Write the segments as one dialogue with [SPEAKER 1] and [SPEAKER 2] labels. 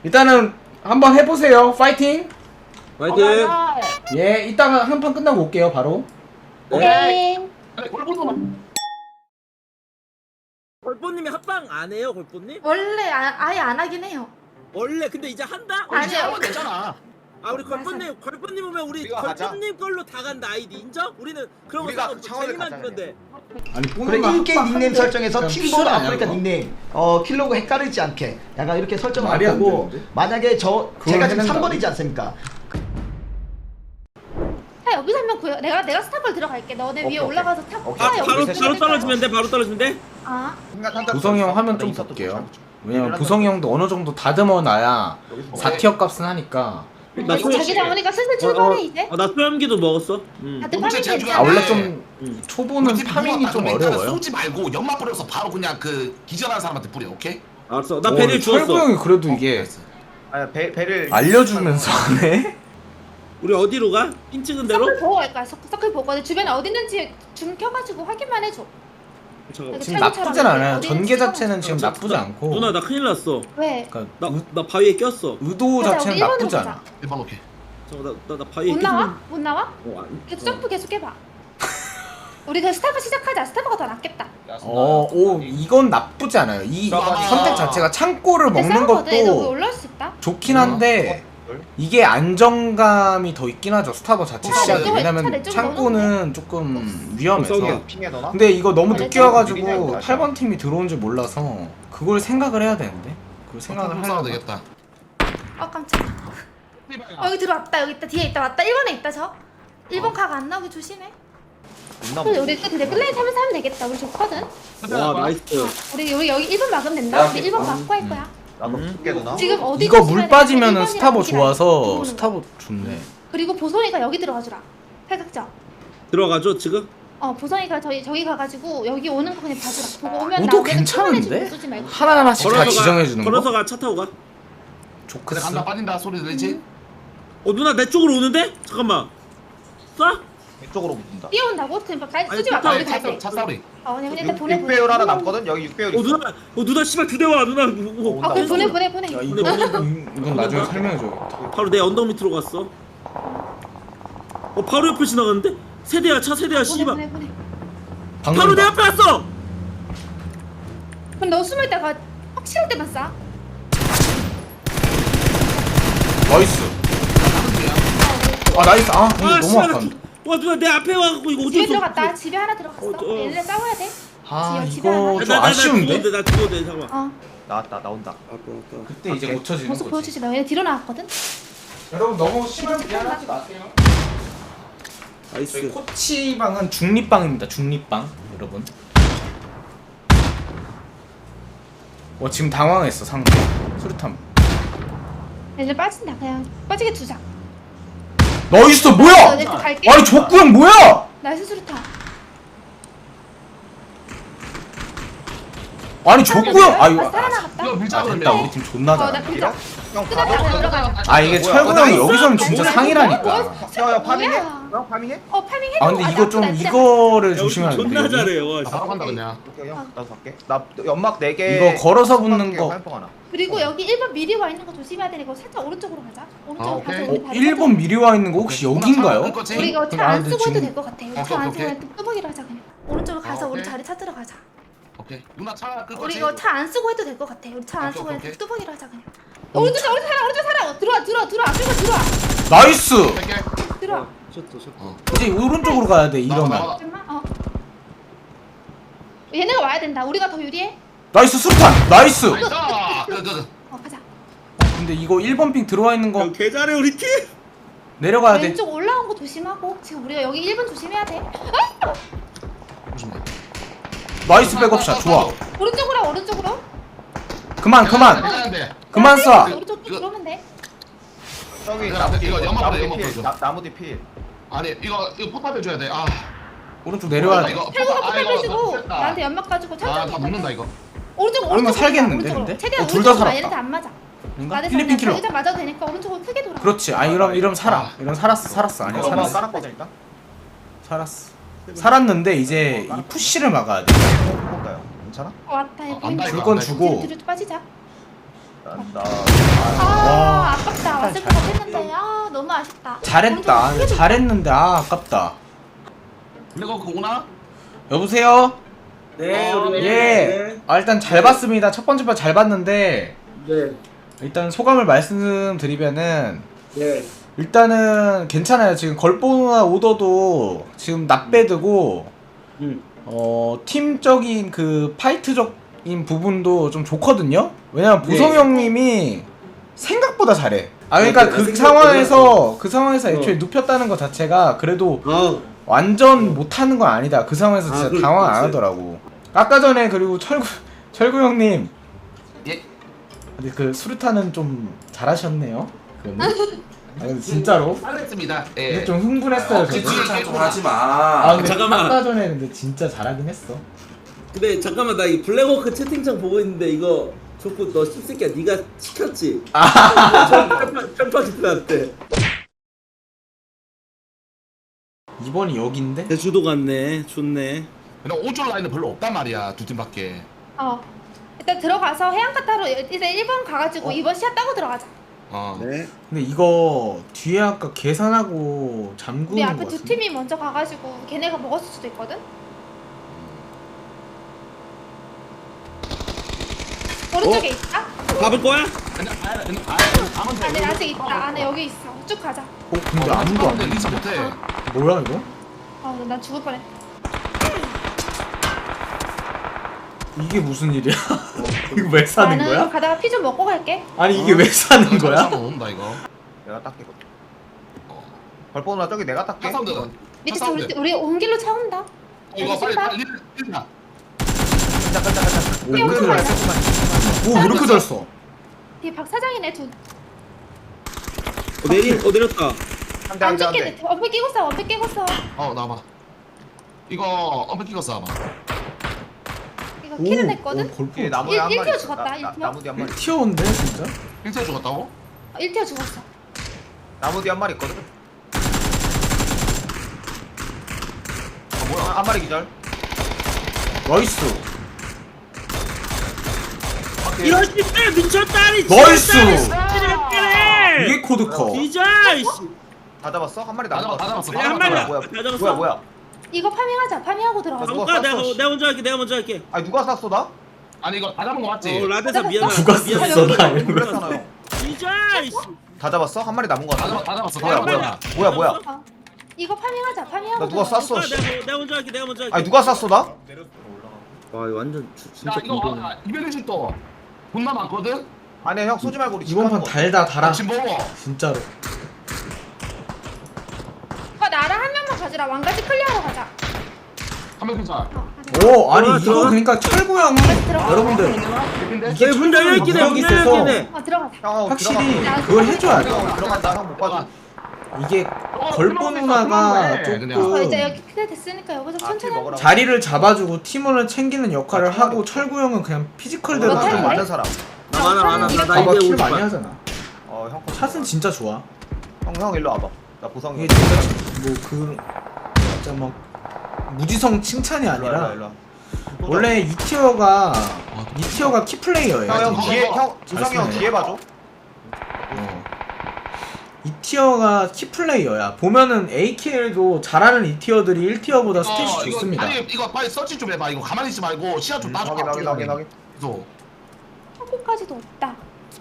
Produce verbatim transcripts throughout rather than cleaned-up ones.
[SPEAKER 1] 일단은 한번 해보세요. 파이팅.
[SPEAKER 2] 화이팅.
[SPEAKER 1] 예, 이따가 한 판 끝나고 올게요. 바로.
[SPEAKER 3] 네.
[SPEAKER 2] 골뽀님이 합방 안 해요, 골뽀님?
[SPEAKER 3] 원래 아, 아예 안 하긴 해요.
[SPEAKER 2] 원래 근데 이제 한다?
[SPEAKER 3] 아니요.
[SPEAKER 4] 하면 되잖아.
[SPEAKER 2] 아 우리 골뽀님, 골뽀님 오면 우리
[SPEAKER 4] 우리가 가자.
[SPEAKER 2] 골뽀님 걸로 다 간다 아이디 인정? 우리는 그런 거
[SPEAKER 4] 우리가
[SPEAKER 2] 상관없어.
[SPEAKER 4] 창원을
[SPEAKER 2] 재미만
[SPEAKER 4] 가자,
[SPEAKER 2] 주면 돼.
[SPEAKER 1] 아니
[SPEAKER 5] 그래 인게임 닉네임 설정에서 팀보드 아프리카
[SPEAKER 1] 닉
[SPEAKER 5] 닉네임 어 킬로그 헷갈리지 않게 약간 이렇게 설정을
[SPEAKER 1] 말이 안
[SPEAKER 5] 하고
[SPEAKER 1] 되는데?
[SPEAKER 5] 만약에 저
[SPEAKER 1] 그걸
[SPEAKER 5] 제가 지금
[SPEAKER 1] 해낸다고?
[SPEAKER 5] 삼 번이지 않습니까?
[SPEAKER 3] 자 여기서 한 명 구해. 내가 내가 스탑을 들어갈게. 너네
[SPEAKER 5] 오케이,
[SPEAKER 3] 위에
[SPEAKER 5] 오케이.
[SPEAKER 3] 올라가서 탑.
[SPEAKER 5] 오케이.
[SPEAKER 2] 아
[SPEAKER 3] 타,
[SPEAKER 2] 바로
[SPEAKER 3] 여기서
[SPEAKER 2] 바로
[SPEAKER 3] 찍을 거야.
[SPEAKER 2] 떨어지면 돼, 바로 떨어지면 돼.
[SPEAKER 3] 아.
[SPEAKER 1] 부성이 형 화면 좀 볼게요. 왜냐면 부성이 형도 어느 정도 다듬어 놔야 사 티어 값은 하니까.
[SPEAKER 2] 나
[SPEAKER 3] 이거 자기 나오니까 슬슬 출발해 이제.
[SPEAKER 2] 어, 나 소염기도 먹었어. 음.
[SPEAKER 3] 다들
[SPEAKER 4] 문제
[SPEAKER 3] 파밍
[SPEAKER 4] 제일
[SPEAKER 3] 됐죠?
[SPEAKER 1] 아 원래 좀
[SPEAKER 2] 음.
[SPEAKER 1] 초보는 파밍이 좀 어려워요.
[SPEAKER 4] 쏘지 말고 연막 뿌려서 바로 그냥 그 기절한 사람한테 뿌려. 오케이?
[SPEAKER 2] 알았어. 나
[SPEAKER 1] 오,
[SPEAKER 2] 배를
[SPEAKER 1] 철구
[SPEAKER 2] 주웠어.
[SPEAKER 1] 형이 그래도 이게
[SPEAKER 5] 아 배, 배를
[SPEAKER 1] 알려주면서 하네.
[SPEAKER 2] 우리 어디로 가? 핀 찍은 대로?
[SPEAKER 3] 서클 보고 갈 거야. 서클, 서클 보고. 내 주변에 어디 있는지 줌 켜가지고 확인만 해줘.
[SPEAKER 2] 잠깐.
[SPEAKER 1] 지금 나쁘진 않아요.
[SPEAKER 3] 어디
[SPEAKER 1] 전개
[SPEAKER 3] 있는지
[SPEAKER 1] 자체는 지금
[SPEAKER 2] 어,
[SPEAKER 1] 나쁘지 않고.
[SPEAKER 2] 누나 나 큰일 났어.
[SPEAKER 3] 왜?
[SPEAKER 1] 그러니까
[SPEAKER 2] 나
[SPEAKER 1] 의,
[SPEAKER 2] 나 바위에 꼈어.
[SPEAKER 1] 의도
[SPEAKER 3] 가자,
[SPEAKER 1] 자체는
[SPEAKER 3] 우리 일본으로
[SPEAKER 1] 나쁘지
[SPEAKER 3] 가자.
[SPEAKER 1] 않아.
[SPEAKER 4] 일 번 오케이.
[SPEAKER 2] 잠깐 나나 나 바위에
[SPEAKER 3] 못
[SPEAKER 2] 꼈어.
[SPEAKER 3] 나와? 못 나와?
[SPEAKER 2] 어, 아니.
[SPEAKER 3] 계속 점프 계속 해봐. 우리 그 스타브 시작하자. 스타브가 더 낫겠다.
[SPEAKER 1] 어, 오 이건 나쁘지 않아요. 이
[SPEAKER 4] 들어가자.
[SPEAKER 1] 선택 자체가 창고를
[SPEAKER 3] 근데
[SPEAKER 1] 먹는
[SPEAKER 3] 싸우거든. 너 위에
[SPEAKER 1] 것도
[SPEAKER 3] 올라올 수 있다.
[SPEAKER 1] 좋긴 한데 이게 안정감이 더 있긴 하죠. 스타버 자체
[SPEAKER 3] 어,
[SPEAKER 1] 시작이.
[SPEAKER 3] 내
[SPEAKER 1] 왜냐면
[SPEAKER 3] 내 쪽으로
[SPEAKER 1] 창고는 조금 위험해서.
[SPEAKER 2] 어,
[SPEAKER 5] 핑해 너나?
[SPEAKER 1] 근데 이거 너무
[SPEAKER 3] 아, 내
[SPEAKER 1] 늦게
[SPEAKER 3] 쪽으로
[SPEAKER 1] 와가지고
[SPEAKER 5] 미리냐고
[SPEAKER 1] 팔 번 팀이 들어온 줄 몰라서 그걸 생각을 해야 되는데. 그걸 생각을
[SPEAKER 4] 생각을
[SPEAKER 1] 하려면
[SPEAKER 4] 되겠다.
[SPEAKER 3] 아 깜짝이야. 어 여기 들어왔다. 여기 있다. 뒤에 있다. 왔다. 일 번에 있다 저. 일 번 각 안 나오게 조심해. 그래, 우리 그 근데 플레이 타면서 하면 되겠다. 우리 좋거든.
[SPEAKER 2] 와 나이스.
[SPEAKER 3] 우리 우리 여기 일 번 막으면 된다. 우리 일 번 막고 할 거야.
[SPEAKER 5] 나도 죽게 누나?
[SPEAKER 3] 지금 어디
[SPEAKER 1] 이거
[SPEAKER 3] 조심해야
[SPEAKER 1] 물
[SPEAKER 3] 돼?
[SPEAKER 1] 빠지면은
[SPEAKER 3] 일 번이랑
[SPEAKER 1] 스타버
[SPEAKER 3] 여기랑
[SPEAKER 1] 좋아서
[SPEAKER 3] 들어오는
[SPEAKER 1] 스타버
[SPEAKER 3] 거.
[SPEAKER 1] 좋네.
[SPEAKER 3] 그리고 보성이가 여기 들어가주라. 팔각정.
[SPEAKER 2] 들어가죠 지금?
[SPEAKER 3] 어 보성이가 저희 저기 가가지고 여기 오는 거 그냥 봐주라. 보고 오면
[SPEAKER 1] 우도
[SPEAKER 3] 나중에는
[SPEAKER 1] 괜찮은데?
[SPEAKER 3] 초반에 쏘지 말고.
[SPEAKER 1] 하나하나씩 다
[SPEAKER 2] 걸어서
[SPEAKER 1] 지정해 주는
[SPEAKER 2] 걸어서
[SPEAKER 1] 거.
[SPEAKER 2] 가, 차 타고 가.
[SPEAKER 4] 그래
[SPEAKER 1] 좋겠어.
[SPEAKER 4] 간다 빠진다 소리 들리지?
[SPEAKER 2] 어 누나 내 쪽으로 오는데? 잠깐만. 쏴?
[SPEAKER 5] 이쪽으로 붙는다.
[SPEAKER 3] 뛰어온다고? 그냥 갈
[SPEAKER 2] 아니,
[SPEAKER 3] 쓰지 마.
[SPEAKER 2] 좋다.
[SPEAKER 3] 우리
[SPEAKER 4] 차
[SPEAKER 3] 갈 때.
[SPEAKER 4] 싸우리 차 싸우리.
[SPEAKER 3] 어 그냥 일단 보내
[SPEAKER 5] 육
[SPEAKER 3] 보내.
[SPEAKER 5] 배율 하나 남거든? 여기 육 배율
[SPEAKER 2] 어
[SPEAKER 5] 있어.
[SPEAKER 2] 누나, 어 누나 씨발 두 대 와 누나. 어,
[SPEAKER 3] 아 그래 보내 보내 보내.
[SPEAKER 1] 야 이거 이건 나중에 설명해 줘.
[SPEAKER 2] 바로 내 언덕 밑으로 갔어. 어 바로 옆에 지나갔는데? 세대야 차 세대야
[SPEAKER 3] 보내
[SPEAKER 2] 씨발.
[SPEAKER 3] 보내 보내.
[SPEAKER 2] 바로 내 앞에 왔어.
[SPEAKER 3] 그럼 너 숨을 때가 확실할 때만 쏴.
[SPEAKER 1] 나이스. 아 나이스. 아 이거
[SPEAKER 2] 아
[SPEAKER 1] 너무
[SPEAKER 2] 씨발.
[SPEAKER 1] 아깝네.
[SPEAKER 2] 와 누나 내 앞에 와갖고 이거
[SPEAKER 3] 집에
[SPEAKER 2] 어쩔 수
[SPEAKER 3] 들어갔다. 집에 하나 들어갔어.
[SPEAKER 2] 어, 저-
[SPEAKER 3] 얘네 싸워야 돼.
[SPEAKER 1] 아
[SPEAKER 3] 집에
[SPEAKER 1] 이거
[SPEAKER 3] 하나.
[SPEAKER 1] 좀 아쉬운데.
[SPEAKER 2] 나 죽어도 돼 잠깐만.
[SPEAKER 3] 어.
[SPEAKER 5] 나왔다 나온다.
[SPEAKER 1] 그때 이제 고쳐지는
[SPEAKER 3] 모습
[SPEAKER 1] 거지.
[SPEAKER 3] 보여주지 마. 얘네 뒤로 나왔거든.
[SPEAKER 1] 여러분 너무 심한 미안하지 마세요. 저희
[SPEAKER 2] 나이스.
[SPEAKER 1] 코치방은 중립방입니다. 중립방 여러분. 와 지금 당황했어 상대. 수류탄.
[SPEAKER 3] 얘네 빠진다. 그냥 빠지게 두자.
[SPEAKER 1] 나이스 뭐야?
[SPEAKER 3] 얘네 갈게.
[SPEAKER 1] 아니 족구형 뭐야?
[SPEAKER 3] 나이스 수류탄.
[SPEAKER 1] 아니 족구형. 아 이거.
[SPEAKER 3] 아, 살아나갔다.
[SPEAKER 4] 이거 밀자
[SPEAKER 1] 아 됐다
[SPEAKER 4] 그러면.
[SPEAKER 1] 우리 팀 존나
[SPEAKER 3] 어나
[SPEAKER 1] 잘해.
[SPEAKER 3] 그니까.
[SPEAKER 5] 형
[SPEAKER 3] 끄다
[SPEAKER 5] 바로
[SPEAKER 3] 다 들어가.
[SPEAKER 1] 아 이게
[SPEAKER 5] 뭐야?
[SPEAKER 1] 철구
[SPEAKER 5] 어,
[SPEAKER 1] 형이
[SPEAKER 5] 나이스.
[SPEAKER 1] 여기서는 진짜
[SPEAKER 3] 뭐야?
[SPEAKER 1] 상이라니까.
[SPEAKER 5] 형형 파밍해?
[SPEAKER 3] 뭐야?
[SPEAKER 5] 형 파밍해?
[SPEAKER 3] 어 파밍해.
[SPEAKER 1] 아 근데 이거 좀 이거를 조심해야 돼.
[SPEAKER 2] 존나 잘해. 와.
[SPEAKER 4] 아, 바로 간다 그냥.
[SPEAKER 5] 오케이 형 나도 갈게. 나 연막 네 개.
[SPEAKER 1] 이거 걸어서 붙는 거.
[SPEAKER 5] 화염병 하나.
[SPEAKER 3] 그리고 여기 일 번 미리 와 있는 거 조심해야 되니까 살짝 오른쪽으로 가자. 오른쪽으로
[SPEAKER 4] 아,
[SPEAKER 3] 가서
[SPEAKER 4] 오케이.
[SPEAKER 3] 우리
[SPEAKER 1] 어,
[SPEAKER 3] 바로
[SPEAKER 1] 일 번 미리 와 있는 거 혹시 여긴가요?
[SPEAKER 4] 거지?
[SPEAKER 3] 우리 이거 차
[SPEAKER 1] 아,
[SPEAKER 3] 안
[SPEAKER 1] 근데
[SPEAKER 3] 쓰고 해도
[SPEAKER 1] 지금-
[SPEAKER 3] 될 것 같아. 우리
[SPEAKER 4] 오케이,
[SPEAKER 3] 차 안
[SPEAKER 4] 오케이,
[SPEAKER 3] 쓰고 뚜벅이로 하자 그냥. 오른쪽으로 가서
[SPEAKER 4] 아,
[SPEAKER 3] 우리
[SPEAKER 4] 오케이.
[SPEAKER 3] 자리 찾으러 가자.
[SPEAKER 4] 오케이. 누나 차 끌
[SPEAKER 3] 우리
[SPEAKER 4] 거지?
[SPEAKER 3] 이거 차 안 쓰고 해도 될 것 같아. 우리 차 안
[SPEAKER 4] 오케이,
[SPEAKER 3] 쓰고
[SPEAKER 4] 오케이,
[SPEAKER 3] 해도
[SPEAKER 4] 오케이.
[SPEAKER 3] 뚜벅이로 하자 그냥. 어, 오른쪽 오른쪽 살아 오른쪽 살아. 들어와 들어와 들어와. 끌고 들어와
[SPEAKER 1] 나이스.
[SPEAKER 4] 뺄게.
[SPEAKER 3] 들어와.
[SPEAKER 2] 셔터 셔터.
[SPEAKER 4] 어.
[SPEAKER 1] 이제 오른쪽으로 가야 돼
[SPEAKER 4] 나와,
[SPEAKER 1] 이러면.
[SPEAKER 4] 나와.
[SPEAKER 3] 잠깐만. 어. 얘네가 와야 된다. 우리가 더 유리해.
[SPEAKER 1] 나이스 수류탄. 나이스.
[SPEAKER 4] 나이스. 그, 그, 그.
[SPEAKER 3] 어 가자.
[SPEAKER 1] 근데 이거 일 번 핑 들어와 있는 거
[SPEAKER 2] 형, 개 잘해 우리 팀.
[SPEAKER 1] 내려가야 돼.
[SPEAKER 3] 왼쪽 올라온 거 조심하고. 지금 우리가 여기 일 번 조심해야 돼.
[SPEAKER 4] 조심해.
[SPEAKER 1] 나이스 백업샷 좋아.
[SPEAKER 3] 오른쪽으로 와, 오른쪽으로.
[SPEAKER 1] 그만 그만.
[SPEAKER 4] 해야 돼.
[SPEAKER 1] 그만 쏴.
[SPEAKER 3] 오른쪽
[SPEAKER 4] 이거-
[SPEAKER 3] 들어오면 돼.
[SPEAKER 5] 저기
[SPEAKER 4] 이거
[SPEAKER 5] 나무 뒤
[SPEAKER 4] 이거 연막
[SPEAKER 5] 나무
[SPEAKER 4] 뿌려,
[SPEAKER 5] 뒤
[SPEAKER 4] 연막
[SPEAKER 5] 필.
[SPEAKER 4] 뿌려.
[SPEAKER 5] 나- 나무 뒤 필.
[SPEAKER 4] 아니 이거 이거 포탑 해줘야 돼. 아.
[SPEAKER 1] 오른쪽 내려와야 돼.
[SPEAKER 4] 이거
[SPEAKER 3] 탈구가
[SPEAKER 4] 포탑- 아, 이거
[SPEAKER 3] 포탑해주고
[SPEAKER 4] 됐다.
[SPEAKER 3] 나한테 연막 가지고
[SPEAKER 4] 아,
[SPEAKER 3] 천천히
[SPEAKER 4] 다 붙는다 이거.
[SPEAKER 3] 오른쪽
[SPEAKER 1] 그러면
[SPEAKER 3] 오른쪽
[SPEAKER 1] 살겠는데,
[SPEAKER 3] 오른쪽으로.
[SPEAKER 1] 근데?
[SPEAKER 3] 최대한
[SPEAKER 1] 어, 둘다
[SPEAKER 3] 오른쪽으로
[SPEAKER 1] 살았다.
[SPEAKER 3] 얘네들 안 맞아.
[SPEAKER 1] 뭔가
[SPEAKER 3] 맞아서
[SPEAKER 1] 필리핀
[SPEAKER 3] 그냥
[SPEAKER 1] 킬러.
[SPEAKER 3] 자기장 맞아도 되니까 오른쪽으로 크게 돌아.
[SPEAKER 1] 그렇지. 아 이러면 이러면 살아.
[SPEAKER 4] 아.
[SPEAKER 1] 이러면 살았어 살았어 아니야
[SPEAKER 5] 이거 뭐
[SPEAKER 1] 살았어
[SPEAKER 5] 깔았거든 일단.
[SPEAKER 1] 살았어. 살았는데 이제 이 푸시를 막아야 돼.
[SPEAKER 5] 해볼까요? 괜찮아?
[SPEAKER 3] 어, 왔다.
[SPEAKER 4] 어, 안다,
[SPEAKER 1] 줄
[SPEAKER 4] 이거
[SPEAKER 1] 건
[SPEAKER 4] 안 돼.
[SPEAKER 1] 주고.
[SPEAKER 3] 뒤로 뒤로 빠지자.
[SPEAKER 5] 나, 나
[SPEAKER 3] 아 나왔을 것 같았는데 아 너무 아쉽다.
[SPEAKER 1] 잘했다.
[SPEAKER 3] 오른쪽 크게
[SPEAKER 1] 잘했는데 아 아깝다.
[SPEAKER 4] 블랙 워크 오나?
[SPEAKER 1] 여보세요?
[SPEAKER 2] 네,
[SPEAKER 4] 어,
[SPEAKER 2] 우리
[SPEAKER 1] 예. 아, 일단 잘 봤습니다. 첫 번째 판 잘 봤는데
[SPEAKER 2] 네.
[SPEAKER 1] 일단 소감을 말씀드리면은
[SPEAKER 2] 네.
[SPEAKER 1] 일단은 괜찮아요. 지금 걸보나 오더도 지금 낫배드고
[SPEAKER 2] 음.
[SPEAKER 1] 어 팀적인 그 파이트적인 부분도 좀 좋거든요. 왜냐면 보성
[SPEAKER 2] 네.
[SPEAKER 1] 형님이 생각보다 잘해. 아 그러니까
[SPEAKER 2] 네,
[SPEAKER 1] 그
[SPEAKER 2] 생각보다.
[SPEAKER 1] 상황에서 그 상황에서 애초에
[SPEAKER 2] 어.
[SPEAKER 1] 눕혔다는 것 자체가 그래도
[SPEAKER 2] 어.
[SPEAKER 1] 완전 못하는 건 아니다. 그 상황에서
[SPEAKER 2] 아,
[SPEAKER 1] 진짜
[SPEAKER 2] 그렇-
[SPEAKER 1] 당황 안
[SPEAKER 2] 그렇지.
[SPEAKER 1] 하더라고. 아까 전에 그리고 철구 철구 형님
[SPEAKER 4] 예.
[SPEAKER 1] 근데 그 수류탄은 좀 잘하셨네요. 그거는. 아 근데 진짜로.
[SPEAKER 4] 잘했습니다.
[SPEAKER 1] 근데
[SPEAKER 4] 예.
[SPEAKER 1] 좀 흥분했어요.
[SPEAKER 4] 어,
[SPEAKER 1] 저도.
[SPEAKER 4] 진짜 좀 하지
[SPEAKER 1] 아 근데
[SPEAKER 2] 잠깐만.
[SPEAKER 1] 아까 전에 근데 진짜 잘하긴 했어.
[SPEAKER 2] 근데 잠깐만 나 이 블랙워크 채팅창 보고 있는데 이거 좋고 너 씹새끼야 네가 시켰지? 아 편파 집단한테
[SPEAKER 1] 이번이 여긴데?
[SPEAKER 2] 제주도 갔네 좋네.
[SPEAKER 4] 근데 오줄 라인은 별로 없단 말이야 두 팀밖에.
[SPEAKER 3] 어 일단 들어가서 해안가 따로 이제 일 번 가가지고
[SPEAKER 1] 어?
[SPEAKER 3] 이번 시야 따고 들어가자.
[SPEAKER 4] 어.
[SPEAKER 2] 네.
[SPEAKER 1] 근데 이거 뒤에 아까 계산하고 잠그는
[SPEAKER 3] 우리
[SPEAKER 1] 거
[SPEAKER 3] 앞에 두
[SPEAKER 1] 같은데?
[SPEAKER 3] 팀이 먼저 가가지고 걔네가 먹었을 수도 있거든. 오른쪽에 있다.
[SPEAKER 2] 가볼 거야?
[SPEAKER 4] 근데 아예 근데 아예 가면 돼.
[SPEAKER 3] 안에 아직 있다. 안에 여기 있어. 쭉 가자.
[SPEAKER 1] 어 근데 아무도 안
[SPEAKER 4] 리스
[SPEAKER 1] 보이네.
[SPEAKER 4] 못해.
[SPEAKER 1] 뭐야 이거?
[SPEAKER 3] 아난 죽을 뻔해.
[SPEAKER 1] 이게 무슨 일이야? 이거 왜 사는
[SPEAKER 3] 나는
[SPEAKER 1] 거야?
[SPEAKER 3] 가다가 피 좀 먹고 갈게.
[SPEAKER 1] 아니 이게 왜 사는 거야?
[SPEAKER 4] 사람 온다 이거.
[SPEAKER 5] 내가 닦게.
[SPEAKER 4] 어.
[SPEAKER 5] 걸보나 저기 내가 닦게.
[SPEAKER 4] 차 사운드.
[SPEAKER 3] 밑에
[SPEAKER 4] 차
[SPEAKER 3] 우리
[SPEAKER 4] 사운드.
[SPEAKER 3] 우리 온 길로 차 온다.
[SPEAKER 4] 이거 빨리 빨리 일 일다.
[SPEAKER 5] 잠깐 잠깐 잠깐.
[SPEAKER 1] 오, 왜 이렇게
[SPEAKER 3] 뛰어들어가자.
[SPEAKER 1] 잘 써? 오, 왜 이렇게 잘 써?
[SPEAKER 3] 뒤에 박 사장이네 둘.
[SPEAKER 2] 어, 내리 어 내렸다.
[SPEAKER 5] 한대
[SPEAKER 3] 안
[SPEAKER 5] 한대
[SPEAKER 3] 죽게
[SPEAKER 5] 한대.
[SPEAKER 3] 돼. 원패 끼고 써. 원패 끼고 써.
[SPEAKER 4] 어 나와봐. 이거 엄청 끼고 싸봐.
[SPEAKER 3] 이거 킬은 했거든.
[SPEAKER 1] 오, 골프
[SPEAKER 5] 뒤에 나무에
[SPEAKER 3] 일-
[SPEAKER 5] 한
[SPEAKER 3] 일
[SPEAKER 5] 마리.
[SPEAKER 3] 티어
[SPEAKER 5] 있어.
[SPEAKER 3] 죽었다,
[SPEAKER 5] 나-
[SPEAKER 3] 일
[SPEAKER 5] 나-
[SPEAKER 3] 티어.
[SPEAKER 5] 나무 뒤 한 마리.
[SPEAKER 1] 티어인데 진짜?
[SPEAKER 4] 일체 죽었다고?
[SPEAKER 3] 어, 일 티어 죽었어.
[SPEAKER 5] 나무 뒤 한 마리 있거든.
[SPEAKER 4] 어 뭐야?
[SPEAKER 5] 한 마리 기절.
[SPEAKER 1] 나이스.
[SPEAKER 2] 이런 씨발 미쳤다니.
[SPEAKER 1] 나이스!
[SPEAKER 2] 미쳤다니.
[SPEAKER 1] 이게 코드커.
[SPEAKER 2] 기절.
[SPEAKER 5] 다 잡았어? 한 마리
[SPEAKER 4] 다
[SPEAKER 5] 남은
[SPEAKER 4] 잡았- 다
[SPEAKER 5] 거.
[SPEAKER 4] 잡았어.
[SPEAKER 2] 그래, 한 마리야.
[SPEAKER 5] 뭐야
[SPEAKER 2] 다
[SPEAKER 5] 뭐야
[SPEAKER 2] 잡았어.
[SPEAKER 5] 뭐야 뭐야.
[SPEAKER 3] 이거 파밍하자. 파밍하고 들어가자.
[SPEAKER 5] 누가
[SPEAKER 2] 가볼까? 내가
[SPEAKER 5] 쐈어, 씨.
[SPEAKER 2] 내가 먼저 할게. 내가 먼저 할게.
[SPEAKER 5] 아니 누가 쐈어 나?
[SPEAKER 4] 아니 이거 다 잡은 거 맞지?
[SPEAKER 2] 어 라데사 미안해.
[SPEAKER 1] 누가
[SPEAKER 2] 미안해.
[SPEAKER 1] 쐈어, 나 이거.
[SPEAKER 5] 그랬잖아요.
[SPEAKER 2] 기절.
[SPEAKER 5] 다 잡았어? 한 마리 남은 거
[SPEAKER 4] 다
[SPEAKER 5] 같아.
[SPEAKER 4] 잡았 다 잡았어.
[SPEAKER 5] 뭐야
[SPEAKER 4] 다
[SPEAKER 5] 뭐야
[SPEAKER 4] 잡았어.
[SPEAKER 5] 뭐야 뭐야.
[SPEAKER 3] 어. 이거 파밍하자. 파밍하고
[SPEAKER 5] 나 누가
[SPEAKER 3] 들어가자.
[SPEAKER 5] 쐈어?
[SPEAKER 2] 아,
[SPEAKER 5] 씨.
[SPEAKER 2] 내가 내가 먼저 할게. 내가 먼저 할게.
[SPEAKER 5] 아니 누가 쐈어 나?
[SPEAKER 2] 와 이거 완전 주-
[SPEAKER 4] 야
[SPEAKER 2] 진짜
[SPEAKER 4] 이거
[SPEAKER 2] 궁금해.
[SPEAKER 4] 아, 이백육십 도 존나 많거든?
[SPEAKER 5] 아니야 형 쏘지 말고 우리 집
[SPEAKER 1] 이번
[SPEAKER 5] 가는
[SPEAKER 1] 판
[SPEAKER 5] 거.
[SPEAKER 1] 달다 달아.
[SPEAKER 4] 아, 지금 먹어.
[SPEAKER 1] 진짜로.
[SPEAKER 3] 어, 나랑 한 명만 가주라. 왕까지 클리어하러 가자.
[SPEAKER 4] 한명 괜찮아.
[SPEAKER 3] 어, 가자.
[SPEAKER 1] 오 아니
[SPEAKER 2] 들어와,
[SPEAKER 1] 이거
[SPEAKER 2] 들어와.
[SPEAKER 1] 그러니까 철구 형
[SPEAKER 3] 들어가.
[SPEAKER 1] 여러분들
[SPEAKER 4] 근데
[SPEAKER 1] 이게
[SPEAKER 2] 문 열려
[SPEAKER 1] 철구
[SPEAKER 2] 있긴 해.
[SPEAKER 1] 형
[SPEAKER 2] 문
[SPEAKER 1] 무력이
[SPEAKER 2] 열려
[SPEAKER 1] 세서
[SPEAKER 2] 있긴 해.
[SPEAKER 3] 어 들어가자.
[SPEAKER 5] 형
[SPEAKER 1] 확실히
[SPEAKER 5] 들어가.
[SPEAKER 1] 그걸 해줘야 돼.
[SPEAKER 5] 형 들어간다 형 못 봐줘.
[SPEAKER 1] 이게 걸보 누나가
[SPEAKER 4] 그냥.
[SPEAKER 3] 어,
[SPEAKER 1] 조금
[SPEAKER 3] 이제 여기 그대 됐으니까 여기서
[SPEAKER 5] 아,
[SPEAKER 3] 천천히
[SPEAKER 5] 킬 먹으라고.
[SPEAKER 1] 자리를 잡아주고 팀원을 챙기는 역할을
[SPEAKER 5] 아,
[SPEAKER 1] 하고 철구 형은 그냥 피지컬대로
[SPEAKER 3] 너
[SPEAKER 5] 형
[SPEAKER 3] 타임이네?
[SPEAKER 1] 하는
[SPEAKER 5] 맞는 사람.
[SPEAKER 2] 나 많아 많아. 나 나
[SPEAKER 1] 봐봐
[SPEAKER 2] 이제
[SPEAKER 1] 킬
[SPEAKER 2] 오십
[SPEAKER 1] 많이
[SPEAKER 2] 발.
[SPEAKER 1] 하잖아.
[SPEAKER 5] 어형
[SPEAKER 1] 샷은 진짜 좋아.
[SPEAKER 5] 형형 일로 와봐. 나 보성이.
[SPEAKER 1] 이게 진짜 뭐그 진짜 막 무지성 칭찬이
[SPEAKER 5] 일로 와, 일로 와,
[SPEAKER 1] 아니라
[SPEAKER 5] 일로 와.
[SPEAKER 1] 원래 이 티어가 이 티어가 키 플레이어예요.
[SPEAKER 5] 형, 형
[SPEAKER 4] 어,
[SPEAKER 5] 뒤에
[SPEAKER 4] 어,
[SPEAKER 5] 형
[SPEAKER 1] 잘
[SPEAKER 5] 보성이 형
[SPEAKER 1] 쏘네.
[SPEAKER 5] 뒤에 봐줘.
[SPEAKER 1] 어. 이 티어가 키 플레이어야. 보면은 에이케이엘도 잘하는 이 티어들이 일 티어보다 스탯이
[SPEAKER 4] 어, 이거,
[SPEAKER 1] 좋습니다.
[SPEAKER 4] 아니 이거 빨리 서치 좀 해봐. 이거 가만히 있지 말고 시야 좀 따줘.
[SPEAKER 5] 확인 확인 확인 확인.
[SPEAKER 4] 계속.
[SPEAKER 3] 한국까지도 없다.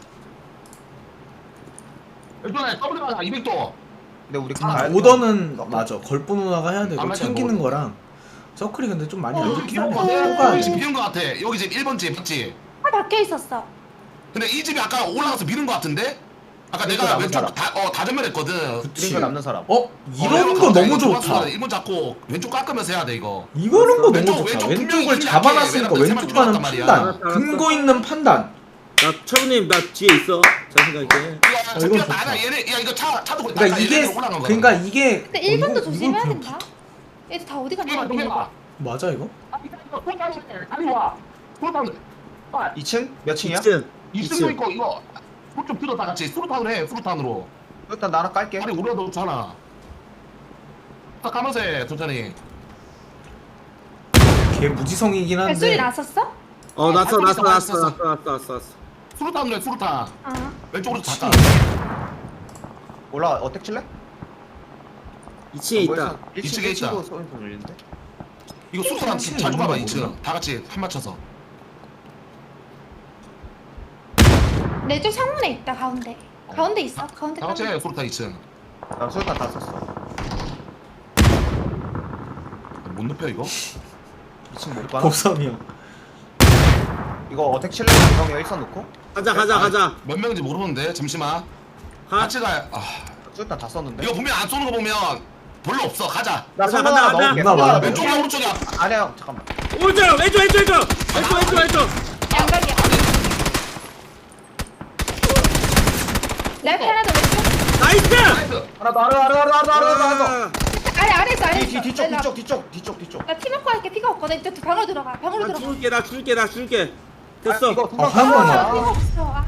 [SPEAKER 4] 일단에 더블 가자. 이백 도.
[SPEAKER 5] 근데 우리
[SPEAKER 4] 아,
[SPEAKER 5] 가야 돼.
[SPEAKER 1] 오더는 맞아. 걸보 누나가 해야 되고
[SPEAKER 4] 안
[SPEAKER 1] 챙기는
[SPEAKER 4] 맞아,
[SPEAKER 1] 거랑 서클이 근데 좀 많이
[SPEAKER 3] 어,
[SPEAKER 1] 안
[SPEAKER 4] 여기
[SPEAKER 1] 좋긴
[SPEAKER 4] 비운 거
[SPEAKER 1] 한데.
[SPEAKER 4] 같아.
[SPEAKER 1] 뽑아야
[SPEAKER 4] 여기 지금
[SPEAKER 1] 돼.
[SPEAKER 4] 비운 거 같아. 여기 지금 일 번 집 맞지?
[SPEAKER 3] 아 박혀 있었어.
[SPEAKER 4] 근데 이 집이 아까 올라가서 미는 거 같은데? 아까
[SPEAKER 5] 그러니까
[SPEAKER 4] 내가
[SPEAKER 5] 남은
[SPEAKER 4] 왼쪽
[SPEAKER 5] 사람.
[SPEAKER 4] 다, 어, 다 전멸했거든.
[SPEAKER 1] 그치.
[SPEAKER 5] 이거 남는 사람.
[SPEAKER 1] 어? 이런 거 너무 좋다.
[SPEAKER 4] 일번 잡고 왼쪽 깎으면서 해야 돼 이거.
[SPEAKER 1] 이거는 거 너무
[SPEAKER 4] 왼쪽,
[SPEAKER 1] 좋다.
[SPEAKER 4] 왼쪽
[SPEAKER 1] 왼쪽을
[SPEAKER 4] 분명히
[SPEAKER 1] 잡아놨으니까
[SPEAKER 4] 힘이 약해.
[SPEAKER 1] 왼쪽
[SPEAKER 4] 왜냐면
[SPEAKER 1] 가는
[SPEAKER 4] 세번 들어갔단
[SPEAKER 1] 판단.
[SPEAKER 2] 말이야.
[SPEAKER 1] 근거 있는 판단.
[SPEAKER 2] 나 철구님 나 뒤에 있어. 잘 생각해.
[SPEAKER 4] 이거
[SPEAKER 1] 이건
[SPEAKER 4] 잡히가
[SPEAKER 1] 좋다.
[SPEAKER 4] 나가 얘네 야 이거 차 차도
[SPEAKER 1] 그러니까
[SPEAKER 4] 아까
[SPEAKER 1] 이게
[SPEAKER 4] 얘네들 올라간 거야.
[SPEAKER 1] 그러니까 이게
[SPEAKER 3] 근데
[SPEAKER 1] 어,
[SPEAKER 3] 일 번도
[SPEAKER 1] 이거-
[SPEAKER 3] 조심해야
[SPEAKER 1] 이걸 그냥
[SPEAKER 3] 된다. 얘들 다 어디 갔냐?
[SPEAKER 4] 이거 좀 해봐.
[SPEAKER 1] 맞아 이거?
[SPEAKER 4] 아니 와. 소르탄. 아,
[SPEAKER 5] 이 층? 몇 층이야?
[SPEAKER 2] 이 층.
[SPEAKER 4] 이 층도 있고 이거 좀 들어 다 같이 수류탄으로 해. 수류탄으로.
[SPEAKER 5] 일단 나 하나 깔게.
[SPEAKER 4] 아니 우리가 넣잖아. 딱 가면서 해 천천히.
[SPEAKER 1] 걔 무지성이긴
[SPEAKER 3] 발소리
[SPEAKER 1] 한데.
[SPEAKER 3] 났었어?
[SPEAKER 2] 어 났어
[SPEAKER 4] 아,
[SPEAKER 2] 났어
[SPEAKER 4] 났어,
[SPEAKER 2] 났어
[SPEAKER 4] 났어.
[SPEAKER 2] 났어 났어 났어 났어.
[SPEAKER 4] 수류탄으로 해 수류탄.
[SPEAKER 3] 아.
[SPEAKER 4] 왼쪽으로
[SPEAKER 1] 그치.
[SPEAKER 4] 다.
[SPEAKER 5] 올라 어택 칠래?
[SPEAKER 2] 이 층에 있다.
[SPEAKER 4] 이 층에 있다.
[SPEAKER 5] 도 소리 좀 들리는데?
[SPEAKER 4] 이거 수류탄
[SPEAKER 1] 층에
[SPEAKER 4] 자주
[SPEAKER 1] 있는
[SPEAKER 4] 가봐
[SPEAKER 1] 거
[SPEAKER 4] 이 층.
[SPEAKER 1] 몰라?
[SPEAKER 4] 다 같이 한 맞춰서.
[SPEAKER 3] 내 쪽 창문에 있다 가운데. 가운데 있어. 가운데.
[SPEAKER 4] 다 같이
[SPEAKER 3] 가운데.
[SPEAKER 4] 해 수류탄 이 층.
[SPEAKER 5] 나 소리탄 다 썼어.
[SPEAKER 4] 못 눕혀 이거?
[SPEAKER 5] 이 층 못 가나?
[SPEAKER 1] 곱삼이 형.
[SPEAKER 5] 이거 어택 칠래? 형이 일선 놓고?
[SPEAKER 2] 가자 가자 가자.
[SPEAKER 4] 몇 명인지 모르는데 잠시만.
[SPEAKER 2] 가.
[SPEAKER 4] 같이 가. 아,
[SPEAKER 5] 소리탄 다 썼는데?
[SPEAKER 4] 이거 분명 안 쏘는 거 보면 별로 없어. 가자.
[SPEAKER 5] 나
[SPEAKER 2] 가자,
[SPEAKER 5] 손
[SPEAKER 2] 가자,
[SPEAKER 5] 하나
[SPEAKER 2] 가자.
[SPEAKER 5] 넣을게.
[SPEAKER 1] 나 많아.
[SPEAKER 4] 왼쪽이야 오른쪽이야.
[SPEAKER 5] 아니야 형 잠깐만.
[SPEAKER 2] 오른쪽 왼쪽 왼쪽 왼쪽 왼쪽 왼쪽 왼쪽.
[SPEAKER 3] 양각이야. 내 앞에 하나 더 왼쪽.
[SPEAKER 2] 나이스.
[SPEAKER 4] 나이스.
[SPEAKER 5] 하나 더 하나 더 하나 더 하나 더 하나 더 하나 더.
[SPEAKER 2] 아,
[SPEAKER 3] 아래 아래 있어 아래
[SPEAKER 5] 뒤,
[SPEAKER 3] 있어.
[SPEAKER 5] 뒤, 뒤쪽
[SPEAKER 3] 나-
[SPEAKER 5] 뒤쪽 뒤쪽 뒤쪽 뒤쪽.
[SPEAKER 3] 나 팀워크 할게. 피가 없거든. 이쪽 방으로 들어가. 방으로
[SPEAKER 2] 나
[SPEAKER 3] 들어가.
[SPEAKER 2] 줄게 나 줄게 나 줄게.
[SPEAKER 5] 아,
[SPEAKER 2] 됐어.
[SPEAKER 5] 이거
[SPEAKER 1] 아,
[SPEAKER 5] 도망가.
[SPEAKER 1] 한 번만.
[SPEAKER 3] 아, 피가 없어. 아,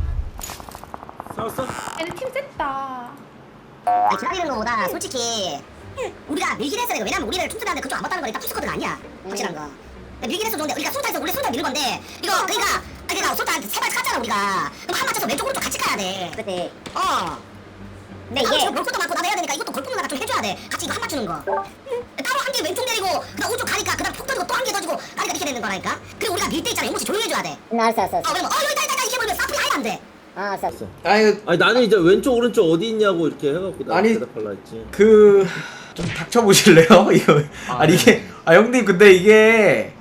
[SPEAKER 2] 살았어?
[SPEAKER 3] 얘네 팀 셌다.
[SPEAKER 6] 아니 기다리는 거보다 솔직히 우리가 밀긴 했어야 돼. 왜냐면 우리를 총수한테 그쪽 안 봤다는 거니까 투스커드가 아니야. 확실한 거. 근데 밀긴 했어 좋은데 우리가 술탄에서 우리 술탄 밀는 건데 이거 그러니까 아니 그러니까 술탄 세발 쐈잖아 우리가. 그럼 한 맞춰서 왼쪽 오른쪽 같이 가야 돼. 그치. 어. 근데 이게 볼 것도 많고 나도 해야 되니까 이것도 걸프는 나가 좀 해줘야 돼. 같이 이거 한 맞추는 거. 따로 한 개 왼쪽 내리고 그다음 오른쪽 가니까 그다음 폭 터지고 또 한 개 터지고 가니까 이렇게 되는 거라니까. 그리고 우리가 밀 때 있잖아. 용모씨 조용히 해줘야 돼.
[SPEAKER 7] 응, 알았어, 알았어.
[SPEAKER 6] 어 그러면 어 여기 있다 있다 있다 이게 보면 사프리 하면 안 돼.
[SPEAKER 7] 아, 알았어, 알았어.
[SPEAKER 1] 아 이거
[SPEAKER 2] 아니 나는 이제 왼쪽 오른쪽 어디 있냐고 이렇게 해갖고 나
[SPEAKER 1] 아니,
[SPEAKER 2] 대답할라 했지.
[SPEAKER 1] 그 좀 닥쳐보실래요? 이거
[SPEAKER 5] 아,
[SPEAKER 1] 아니 이게 아 형님 근데 이게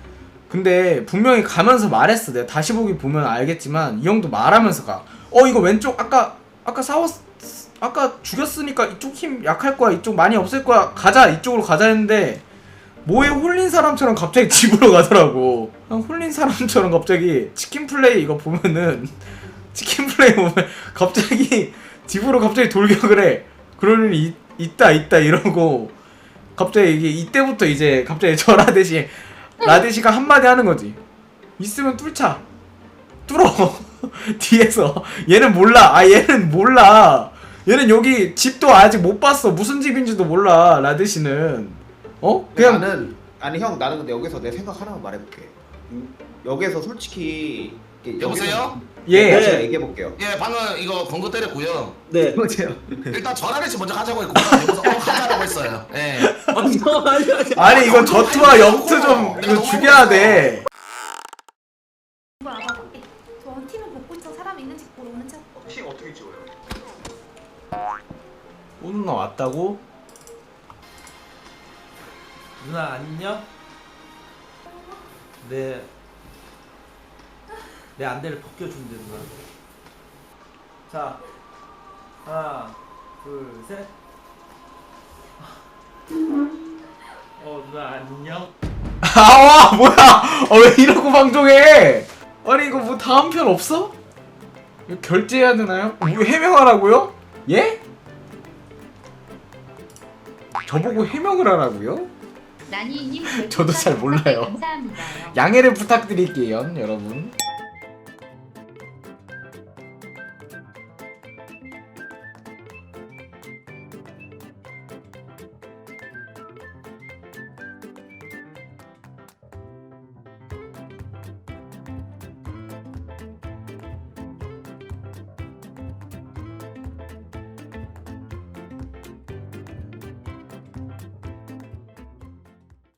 [SPEAKER 1] 근데 분명히 가면서 말했어. 내가 다시 보기 보면 알겠지만 이 형도 말하면서 가. 어 이거 왼쪽 아까 아까 싸웠 아까 죽였으니까 이쪽 힘 약할 거야. 이쪽 많이 없을 거야. 가자 이쪽으로 가자 했는데 뭐에 홀린 사람처럼 갑자기 집으로 가더라고. 그냥 홀린 사람처럼 갑자기 치킨 플레이 이거 보면은 치킨 플레이 보면 갑자기 집으로 갑자기 돌격을 해. 그럴 일이 있, 있다 있다 이러고 갑자기 이게 이때부터 이제 갑자기 저 라데시 라데시가 한마디 하는 거지. 있으면 뚫자. 뚫어. 뒤에서 얘는 몰라. 아 얘는 몰라. 얘는 여기 집도 아직 못 봤어. 무슨 집인지도 몰라. 라데시는 어? 그냥
[SPEAKER 5] 나는 아니 형 나는 근데 여기서 내 생각 하나만 말해볼게. 음, 여기서 솔직히 이렇게
[SPEAKER 4] 여보세요?
[SPEAKER 1] 예.
[SPEAKER 5] 여기서
[SPEAKER 2] 네.
[SPEAKER 5] 얘기해 볼게요.
[SPEAKER 4] 예 방금 이거 건거 때렸고요.
[SPEAKER 2] 네.
[SPEAKER 5] 여보세요.
[SPEAKER 4] 일단 전화레시 먼저 하자고 했고 여기서 어 하자라고 했어요. 예.
[SPEAKER 2] 아니 형 아니 아니.
[SPEAKER 1] 아니 이거 저투와 영투 좀 이거 죽여야 돼.
[SPEAKER 3] 이거 알아봐. 저 원팀을 먹고 있어. 사람 있는지 보러 오는 척.
[SPEAKER 5] 팀 어떻게 찍어요?
[SPEAKER 1] 오 누나 왔다고?
[SPEAKER 8] 누나 안녕? 내, 내 안대를 벗겨준대 누나. 자 하나 둘셋. 어 누나 안녕?
[SPEAKER 1] 아와 뭐야? 어, 왜 이러고 방송해? 아니 이거 뭐 다음 편 없어? 이거 결제해야 되나요? 뭐 해명하라고요? 예? 저보고 해명을 하라고요?
[SPEAKER 9] 나니님
[SPEAKER 1] 저도 잘 몰라요.
[SPEAKER 9] 감사합니다.
[SPEAKER 1] 양해를 부탁드릴게요 여러분.